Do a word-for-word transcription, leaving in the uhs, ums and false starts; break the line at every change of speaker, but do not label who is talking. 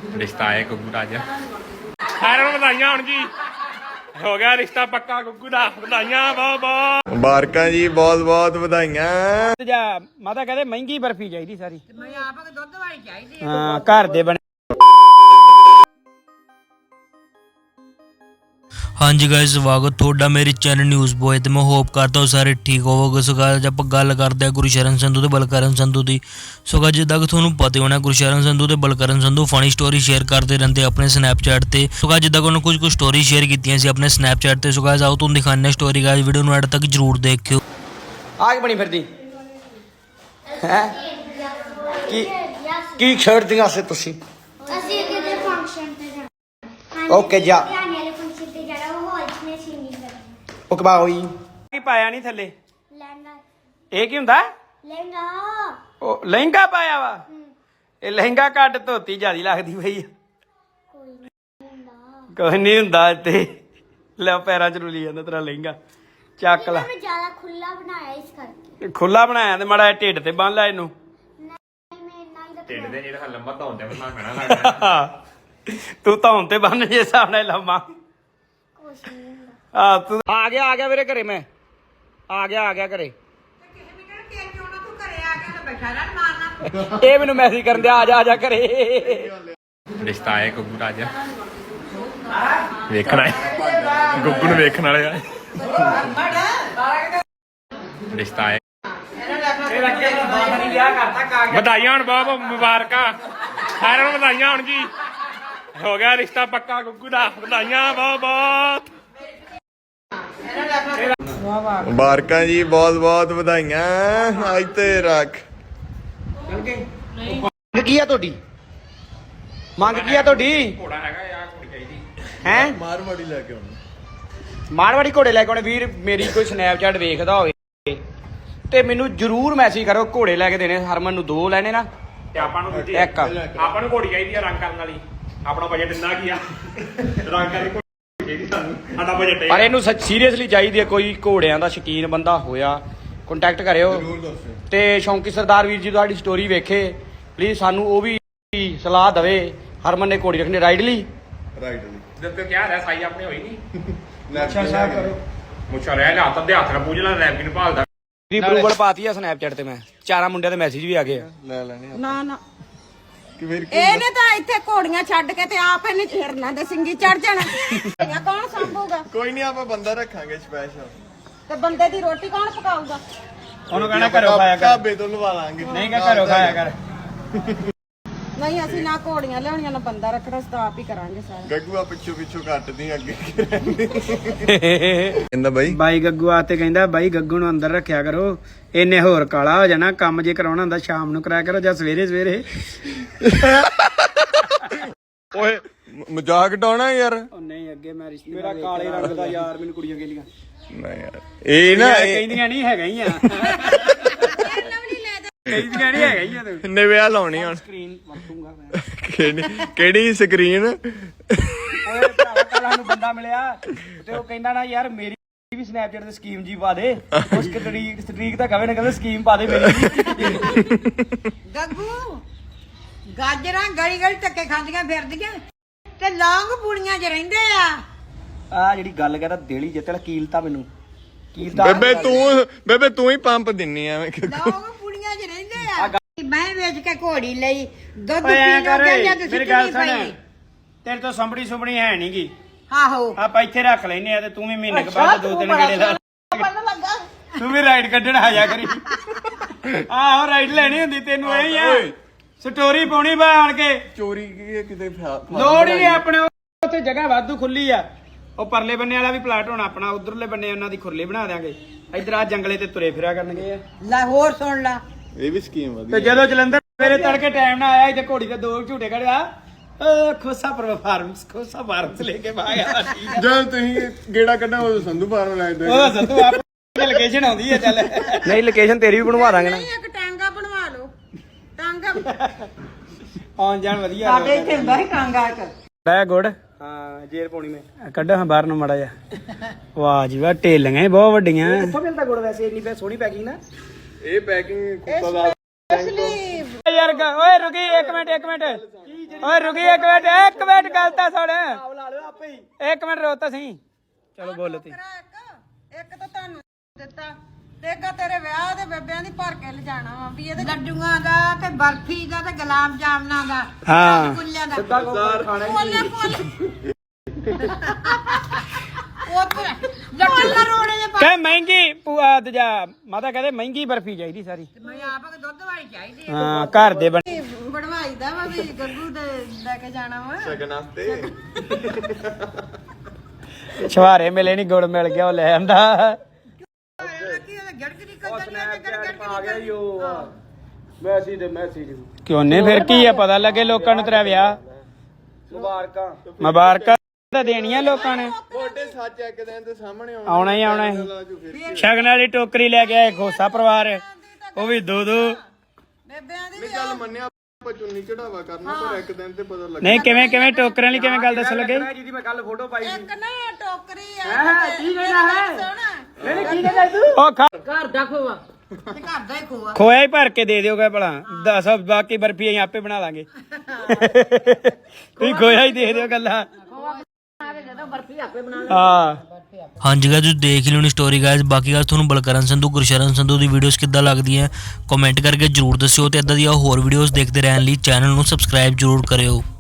रिश्ता आया गुग्गू राजा सारे बधाइयां हुण जी हो गया रिश्ता पक्का गुग्गू दा बधाइयां बहुत बहुत
मुबारकां जी बहुत बहुत बधाइयां
जा माता कहते महंगी बर्फी चाहिए सारी
मैं आप दुध वाली चाहिए
हाँ घर दे बने
हाँ जी गाइस स्वागत थोड़ा मेरे चैनल न्यूज़ बॉय तो मैं होप करता हूँ सारे ठीक होवोगे। सो गाइस आप गल करते हैं गुरशरण संधू ते बलकरण संधू की। सो गाइस जिद्दां कि तुहानूं पता होना गुरशरण संधू ते Balkaran Sandhu funny story share करते रहते अपने स्नैपचैट ते। सो गाइस जिद्दां कि उन्होंने कुछ कुछ स्टोरी शेयर कीतियां सी अपने स्नैपचैट ते। सो गाइस आओ तुहानूं दिखाने स्टोरी गाइस वीडियो नूं एंड तक जरूर देखियो।
आग बनी फिरदी हैं की की छेड़दियां से तुसी
ਅਸੀਂ ਕਿਤੇ ਫੰਕਸ਼ਨ ਤੇ ਜਾਣਾ
ओके जा
ਧਿਆਨ ਵਾਲੇ ਫੰਕਸ਼ਨ ਤੇ ਜਾਣਾ ਉਹ ਹਾਲ ਚ ਨੇ ਸਿੰਗਿੰਗ ਕਰਨੀ
ओके बा होई की पाया नहीं थल्ले
ਲਹਿੰਗਾ
ਇਹ ਕੀ ਹੁੰਦਾ
ਲਹਿੰਗਾ
ਉਹ ਲਹਿੰਗਾ ਪਾਇਆ ਵਾ ਇਹ ਲਹਿੰਗਾ ਕੱਟ ਧੋਤੀ ਜਿਆਦੀ ਲੱਗਦੀ ਪਈ ਆ
ਕੋਈ ਨਹੀਂ ਹੁੰਦਾ
ਕੋਈ ਨਹੀਂ ਹੁੰਦਾ ਤੇ ਲੈ ਪੈਰਾਂ ਚ ਰੁਲੀ ਜਾਂਦਾ ਤੇਰਾ ਲਹਿੰਗਾ ਚੱਕ ਲਾ
ਮੈਂ ਜ਼ਿਆਦਾ ਖੁੱਲਾ ਬਣਾਇਆ ਇਸ ਕਰਕੇ
ਖੁੱਲਾ ਬਣਾਇਆ ਤੇ ਮਾੜਾ ਢਿੱਡ ਤੇ ਬੰਨ ਲੈ ਇਹਨੂੰ
ਨਹੀਂ ਮੈਂ ਇੰਨਾ ਹੀ
ਢਿੱਡ
ਰੱਖਣਾ
ਦੇ ਜਿਹੜਾ ਲੰਬਾ ਧੌਣ ਤੇ ਬੰਨਣਾ ਪੈਣਾ ਲੱਗਦਾ
ਤੂੰ ਧੌਣ ਤੇ ਬੰਨ ਜੇ ਹਿਸਾਬ ਨਾਲ ਲੰਮਾ
ਕੁਛ ਨਹੀਂ ਹੁੰਦਾ
ਆ ਤੂੰ ਆ ਗਿਆ ਆ ਗਿਆ ਵੀਰੇ ਘਰੇ ਮੈਂ ਆ ਗਿਆ ਆ ਗਿਆ ਘਰੇ ਇਹ ਮੈਨੂੰ ਮੈਸੇਜ ਕਰਨ ਦਿਆ ਆ ਜਾ ਆ ਜਾ ਘਰੇ
ਰਿਸ਼ਤਾ ਆਇਆ ਗੁੱਗੂ ਰਾਜਾ ਵੇਖਣਾ ਹੈ ਗੁੱਗੂ ਨੂੰ ਵੇਖਣ ਵਾਲੇ ਆ ਰਿਸ਼ਤਾ ਆਇਆ ਬਧਾਈਆਂ ਹੁਣ ਬਹੁਤ ਬਹੁਤ ਮੁਬਾਰਕਾਂ ਸਾਰਿਆਂ ਨੂੰ ਬਧਾਈਆਂ ਹੁਣ ਜੀ ਹੋ ਗਿਆ ਰਿਸ਼ਤਾ ਪੱਕਾ ਗੁੱਗੂ ਦਾ ਬਧਾਈਆਂ ਬਹੁਤ ਬਹੁਤ
ਮੁਬਾਰਕਾਂ ਜੀ ਬਹੁਤ ਬਹੁਤ ਵਧਾਈਆਂ ਅੱਜ ਤੇ ਰੱਖ
ਮੰਗ ਕੀ ਆ ਤੁਹਾਡੀ ਮੰਗ ਕੀ ਆ ਤੁਹਾਡੀ
ਘੋੜਾ ਹੈਗਾ ਯਾਰ ਘੋੜੀ ਚਾਹੀਦੀ
ਹੈ
ਮਾਰਵਾੜੀ ਲੈ ਕੇ ਆਉਣਾ
ਮਾਰਵਾੜੀ ਘੋੜੇ ਲੈ ਕੇ ਆਉਣੇ ਵੀਰ ਮੇਰੀ ਕੋਈ ਸਨੈਪਚੈਟ ਵੇਖਦਾ ਹੋਵੇ ਤੇ ਮੈਨੂੰ ਜਰੂਰ ਮੈਸੇਜ ਕਰੋ ਘੋੜੇ ਲੈ ਕੇ ਦੇਣੇ ਹਰਮਨ ਨੂੰ ਦੋ ਲੈਣੇ ਨਾ
ਤੇ ਆਪਾਂ ਨੂੰ ਦੂਜੀ
ਇੱਕ
ਆਪਾਂ ਨੂੰ ਘੋੜੀ ਚਾਹੀਦੀ ਆ ਰੰਗ ਕਰਨ ਵਾਲੀ ਆਪਣਾ ਬਜਟ ਇੰਨਾ ਕੀ ਆ ਰੰਗ ਕਰਨ ਘੋੜੀ ਚਾਹੀਦੀ ਸਾਨੂੰ ਸਾਡਾ ਬਜਟ
ਪਰ ਇਹਨੂੰ ਸੀਰੀਅਸਲੀ ਚਾਹੀਦੀ ਹੈ ਕੋਈ ਘੋੜਿਆਂ ਦਾ ਸ਼ੌਕੀਨ ਬੰਦਾ ਹੋਇਆ ਕੰਟੈਕਟ ਕਰਿਓ ਤੇ ਸ਼ੌਂਕੀ ਸਰਦਾਰ ਵੀਰ ਜੀ ਤੁਹਾਡੀ ਸਟੋਰੀ ਵੇਖੇ ਪਲੀਜ਼ ਸਾਨੂੰ ਉਹ ਵੀ ਸਲਾਹ ਦੇਵੇ ਹਰਮਨ ਨੇ ਘੋੜੀ ਰੱਖਣੀ ਰਾਈਡ ਲਈ
ਰਾਈਟ
ਜਦ ਤੱਕ ਕਿਹਾ ਰਿਹਾ ਸਾਈ ਆਪਣੇ ਹੋਈ ਨਹੀਂ
ਅੱਛਾ ਅੱਛਾ ਕਰੋ
ਮੁੱਛਾ ਰਹਿ ਲਿਆ ਹੱਥ ਦੇ ਹੱਥ ਨਾਲ ਪੂਜ ਲੈ ਰੈਪ ਨੂੰ ਭਾਲਦਾ
ਦੀ ਅਪਰੂਵਲ ਪਾਤੀ ਆ ਸਨੈਪਚੈਟ ਤੇ ਮੈਂ ਚਾਰਾਂ ਮੁੰਡਿਆਂ ਦੇ ਮੈਸੇਜ ਵੀ ਆ ਗਏ ਆ
ਲੈ ਲੈਣੇ
ਨਾ ਨਾ
ਕਿ ਫਿਰ
ਇਹਨੇ ਤਾਂ ਇੱਥੇ ਘੋੜੀਆਂ ਛੱਡ ਕੇ ਤੇ ਆਪ ਇਹਨੇ ਛੇੜਨਾ ਤੇ ਸਿੰਗੀ ਚੜ ਜਾਣਾ ਇਹ ਕੌਣ ਸੰਭੂਗਾ
ਕੋਈ ਨਹੀਂ ਆਪਾਂ ਬੰਦਾ ਰੱਖਾਂਗੇ ਸਪੈਸ਼ਲ
ਤੇ ਬੰਦੇ ਦੀ ਰੋਟੀ ਕੌਣ ਪਕਾਊਗਾ
ਉਹਨੂੰ ਕਹਿਣਾ ਘਰੋਂ ਖਾਇਆ ਕਰ
ਢਾਬੇ ਤੋਂ ਲਵਾ ਲਾਂਗੇ
ਨਹੀਂ ਕਹ ਘਰੋਂ ਖਾਇਆ ਕਰ
ਨਹੀਂ ਅਸੀਂ ਨਾ ਘੋੜੀਆਂ ਲਿਆਉਣੀਆਂ ਨਾ ਬੰਦਾ ਰੱਖਣਾ ਸਤਾ ਆਪ ਹੀ ਕਰਾਂਗੇ ਸਾਰਾ
ਗੱਗੂ ਆ ਪਿੱਛੋਂ ਪਿੱਛੋਂ ਕੱਟਦੀ ਅੱਗੇ ਕਹਿੰਦਾ ਬਾਈ
ਬਾਈ ਗੱਗੂ ਆ ਤੇ ਕਹਿੰਦਾ ਬਾਈ ਗੱਗੂ ਨੂੰ ਅੰਦਰ ਰੱਖਿਆ ਕਰੋ ਇਹਨੇ ਹੋਰ ਕਾਲਾ ਹੋ ਜਾਣਾ ਕੰਮ ਜੇ ਕਰਾਉਣਾ ਹੁੰਦਾ ਸ਼ਾਮ ਨੂੰ ਕਰਾਇਆ ਕਰੋ ਜਾਂ ਸਵੇਰੇ ਸਵੇਰੇ
ਓਏ ਮਜ਼ਾਕ ਡਾਉਣਾ ਯਾਰ
ਉਹ ਨਹੀਂ ਅੱਗੇ ਮੈਂ ਰਿਸ਼ਤੇ ਮੇਰਾ ਕਾਲੇ ਰੰਗ ਦਾ ਯਾਰ ਮੈਨੂੰ ਕੁੜੀਆਂ ਕਹਿੰਦੀਆਂ
ਨਹੀਂ ਯਾਰ ਇਹ ਨਾ
ਕਹਿੰਦੀਆਂ ਨਹੀਂ ਹੈਗਾ ਹੀ ਆ ਕਹਿੰਦੀਆਂ ਨਹੀਂ ਹੈਗਾ ਹੀ ਆ ਤੂੰ
ਕਿੰਨੇ ਵਿਆਹ ਲਾਉਣੀ ਹੁਣ
ਸਕਰੀਨ ਵਰਤੂੰਗਾ ਮੈਂ
ਕਿਹੜੀ ਕਿਹੜੀ ਸਕਰੀਨ
ਓਏ ਭਰਾਵਾ ਕੱਲ ਨੂੰ ਬੰਦਾ ਮਿਲਿਆ ਤੇ ਉਹ ਕਹਿੰਦਾ ਨਾ ਯਾਰ ਮੇਰੀ ਵੀ ਸਨੈਪਚੈਟ ਤੇ ਸਕੀਮ ਜੀ ਪਾ ਦੇ ਉਸ ਸਟ੍ਰੀਕ ਸਟ੍ਰੀਕ ਤਾਂ ਕਵੇ ਨਾ ਕਵੇ ਸਕੀਮ ਪਾ ਦੇ ਮੇਰੀ
ਗੱਗੂ ਗਾਜਰਾਂ ਗਲੀ ਗਲੀ ਧੱਕੇ ਖਾਂਦੀਆਂ ਫਿਰਦੀਆਂ ਤੇ ਲੌਂਗ ਪੂੜੀਆਂ 'ਚ ਰਹਿੰਦੇ ਆ
ਆ ਜਿਹੜੀ ਗੱਲ ਕਰਦਾ ਦੇਲੀ ਜਿੱਤਲ ਕੀਲਤਾ ਮੈਨੂੰ ਕੀਲਤਾ
ਬੇਬੇ ਤੂੰ ਬੇਬੇ ਤੂੰ ਹੀ ਪੰਪ ਦਿੰਨੀ ਐਵੇਂ
ਲੌਂਗ ਪੂੜੀਆਂ 'ਚ ਰਹਿੰਦੇ ਆ ਮੈਂ ਵੇਚ ਕੇ ਘੋੜੀ ਲਈ ਦੁੱਧ
ਓਏ ਐਂ
ਪੀ
ਕਰ
ਲੋ ਜਾਂ ਤੁਸੀਂ
ਮੇਰੀ ਗੱਲ
ਨਹੀਂ
ਸੁਣ
ਪਈ
ਤੇਰੇ ਤੋਂ ਸੰਭੜੀ ਸੁਭੜੀ ਹੈ ਨਹੀਂਗੀ
ਆਹੋ
ਆਪਾਂ ਇੱਥੇ ਰੱਖ ਲੈਨੇ ਆ ਤੇ ਤੂੰ ਵੀ ਮਹੀਨੇ ਕੁ ਬਾਅਦ ਦੋ ਤਿੰਨ ਗੇੜੇ ਲਾ
ਪਤਾ ਲੱਗਾ
ਤੂੰ ਵੀ ਰਾਈਡ ਕੱਢਣ ਆ ਜਾ ਕਰੀ ਆਹੋ ਰਾਈਡ ਲੈਣੀ ਹੁੰਦੀ ਤੈਨੂੰ ਇਹ ਹੀ ਆ ਸਟੋਰੀ ਪਾਉਣੀ ਬਾ ਆਣ ਕੇ
ਚੋਰੀ ਕੀ ਕਿਤੇ
ਲੋੜ ਹੀ ਨਹੀਂ ਆਪਣੇ ਉੱਥੇ ਜਗ੍ਹਾ ਵਾਧੂ ਖੁੱਲੀ ਆ ਉਹ ਪਰਲੇ ਬੰਨੇ ਵਾਲਾ ਵੀ ਪਲਾਟ ਹੋਣਾ ਆਪਣਾ ਉਧਰਲੇ ਬੰਨੇ ਉਹਨਾਂ ਦੀ ਖੁਰਲੀ ਬਣਾ ਦਿਆਂਗੇ ਇਧਰ ਆ ਜੰਗਲੇ ਤੇ ਤੁਰੇ ਫਿਰਿਆ ਕਰਨਗੇ
ਲੈ ਹੋਰ ਸੁਣ ਲਾ
ਇਹ ਵੀ ਸਕੀਮ ਵਧੀਆ
ਤੇ ਜਦੋਂ ਜਲੰਧਰ ਸਵੇਰੇ ਤੜਕੇ ਟਾਈਮ ਨਾਲ ਆਇਆ ਇੱਥੇ ਘੋੜੀ ਦੇ ਦੋ ਝੂਟੇ ਕੜਿਆ ਖੋਸਾ ਪਰ ਫਾਰਮਸ ਖੋਸਾ ਫਾਰਮਸ ਲੈ ਕੇ ਭਾਗਿਆ
ਜਦ ਤੁਸੀਂ ਗੇੜਾ ਕੱਢਾ ਉਹ ਸੰਧੂ ਫਾਰਮ ਲੈ ਦੇ
ਉਹ ਸੰਧੂ ਆਪ ਲੋਕੇਸ਼ਨ ਆਉਂਦੀ ਹੈ ਚੱਲ ਨਹੀਂ ਲੋਕੇਸ਼ਨ ਤੇਰੀ ਵੀ ਬਣਵਾ ਦਾਂਗੇ ਨਾ
ਨਹੀਂ ਇੱਕ ਟਾਂਗਾ ਬਣਵਾ ਲਓ ਟਾਂਗਾ
ਆਉਣ ਜਾਣ ਵਧੀਆ
ਸਾਡੇ ਇੱਥੇ ਹੁੰਦਾ ਸੀ ਟਾਂਗਾ ਇੱਕ
ਬੈ ਗੁੜ ਹਾਂ ਜੇਰ ਪਾਉਣੀ ਮੈਂ ਕੱਢ ਹਾਂ ਬਾਹਰ ਨੂੰ ਮੜਾ ਜਾ ਵਾਹ ਜੀ ਵਾਹ ਢੇਲੀਆਂ ਬਹੁਤ ਵੱਡੀਆਂ ਕਿੱਥੋਂ ਮਿਲਦਾ ਗੁੜ ਵੈਸੇ ਇੰਨੀ ਸੋਹਣੀ ਪੈਕਿੰਗ ਨਾ
ਇਹ ਪੈਕਿੰਗ ਕੁੱਤਾ ਦਾ
ਅਸਲੀ
ਯਾਰ ਗ- ਓਏ ਰੁਕੀ ਇੱਕ ਮਿੰਟ ਇੱਕ ਮਿੰਟ ਓਏ ਰੁਕੀ ਇੱਕ ਮਿੰਟ ਇੱਕ ਮਿੰਟ ਗੱਲ ਤਾਂ ਸੁਣ ਇੱਕ ਮਿੰਟ ਰੋ ਤਾਂ ਸਹੀ ਚਲੋ ਬੋਲ ਤੀ
ਇੱਕ ਇੱਕ ਤਾਂ ਤੁਹਾਨੂੰ ਦਿੱਤਾ ਤੇ ਇੱਕ ਤੇਰੇ ਵਿਆਹ ਦੇ ਬੇਬਿਆਂ ਦੀ ਭਰ ਕੇ ਲਿਜਾਣਾ ਵਾ ਵੀ ਇਹਦੇ ਲੱਡੂਆਂ ਦਾ ਤੇ ਬਰਫੀ ਦਾ ਤੇ ਗੁਲਾਬ ਜਾਮਨਾਂ ਦਾ
ਹਾਂ
ਗੁੱਲਿਆਂ ਦਾ
ਸਿੱਧਾ ਖਾਣਾ
ਬੋਲੇ ਬੋਲੇ ਉਹ ਪਰ ਲੱਡੂ ਰੋੜੇ ਦੇ
ਕਹ ਮਹਿੰਗੀ ਪੂਆ ਦਜਾ ਮਾਤਾ ਕਹਿੰਦੇ ਮਹਿੰਗੀ ਬਰਫੀ ਚਾਹੀਦੀ ਸਾਰੀ
ਮੈਂ ਆਪ ਦੁੱਧ ਵਾਲੀ ਚਾਹੀਦੀ
ਹਾਂ ਘਰ ਦੇ ਬਣ
ਬਣਵਾਈ ਦਾ ਵਾ ਵੀ ਗੱਗੂ ਦੇ ਲੈ ਕੇ ਜਾਣਾ ਵਾ
ਸ਼ਗਨ ਵਾਸਤੇ
ਛਵਾਰੇ ਮਿਲੇ ਨਹੀਂ ਗੁੜ ਮਿਲ ਗਿਆ ਉਹ ਲੈ ਆਂਦਾ ਮੈਸੀ ਦੇ ਮੈਸੇਜ ਕਿਉਂ ਨੇ ਫਿਰ ਕੀ ਆ ਪਤਾ ਲੱਗੇ ਲੋਕਾਂ ਨੂੰ ਤੇਰਾ ਵਿਆਹ ਮੁਬਾਰਕਾਂ ਮੁਬਾਰਕਾਂ ਤਾਂ ਦੇਣੀਆਂ ਲੋਕਾਂ ਨੇ
ਤੁਹਾਡੇ ਸੱਚ ਇੱਕ ਦਿਨ ਤੇ ਸਾਹਮਣੇ
ਆਉਣਾ ਹੀ ਆਉਣਾ ਸੀ ਸ਼ਗਨ ਵਾਲੀ ਟੋਕਰੀ ਲੈ ਕੇ ਆਏ ਖੋਸਾ ਪਰਿਵਾਰ ਉਹ ਵੀ ਦੋ ਦੋ
ਬੇਬਿਆਂ ਦੀ
ਨਹੀਂ ਗੱਲ ਮੰਨਿਆ ਆਪਾਂ ਚੁੰਨੀ ਚੜਾਵਾ ਕਰਨਾ ਪਰ ਇੱਕ ਦਿਨ ਤੇ ਪਤਾ ਲੱਗ
ਨਹੀਂ ਕਿਵੇਂ ਕਿਵੇਂ ਟੋਕਰਿਆਂ ਲਈ ਕਿਵੇਂ ਗੱਲ ਦੱਸ ਲੱਗੇ
ਇੱਕ ਨਾ ਟੋਕਰੀ ਆ
ਕੀ ਕਹਿਣਾ ਹੈ
ਸੋਹਣਾ
ਨਹੀਂ ਕੀ ਕਹਿੰਦਾ ਤੂੰ ਉਹ ਖਾ-
ਘਰ ਦਾ ਖੋਆ ਤੇ ਘਰ ਦਾ ਹੀ ਖੋਆ
ਖੋਇਆ ਹੀ ਭਰ ਕੇ ਦੇ ਦਿਓਗਾ ਭਲਾ ਦੱਸ ਬਾਕੀ ਬਰਫੀ ਅਸੀਂ ਆਪੇ ਬਣਾ ਲਾਂਗੇ ਤੁਸੀਂ ਖੋਇਆ ਹੀ ਦੇ ਦਿਓ ਗੱਲਾਂ ਹਾਂ
ਹਾਂਜੀ ਗਾਇਸ ਤੁਸੀਂ ਦੇਖ ਲਿਓ ਨੀ ਸਟੋਰੀ ਗਾਇਸ ਬਾਕੀ ਗੱਲ ਤੁਹਾਨੂੰ ਬਲਕਰਨ ਸੰਧੂ ਗੁਰਸ਼ਰਨ ਸੰਧੂ ਦੀ ਵੀਡੀਓਜ਼ ਕਿੱਦਾਂ ਲੱਗਦੀਆਂ ਕਮੈਂਟ ਕਰਕੇ ਜਰੂਰ ਦੱਸਿਓ ਤੇ ਇਦਾਂ ਦੀਆਂ ਹੋਰ ਵੀਡੀਓਜ਼ ਦੇਖਦੇ ਰਹਿਣ ਲਈ ਚੈਨਲ ਨੂੰ ਸਬਸਕ੍ਰਾਈਬ ਜਰੂਰ ਕਰਿਓ।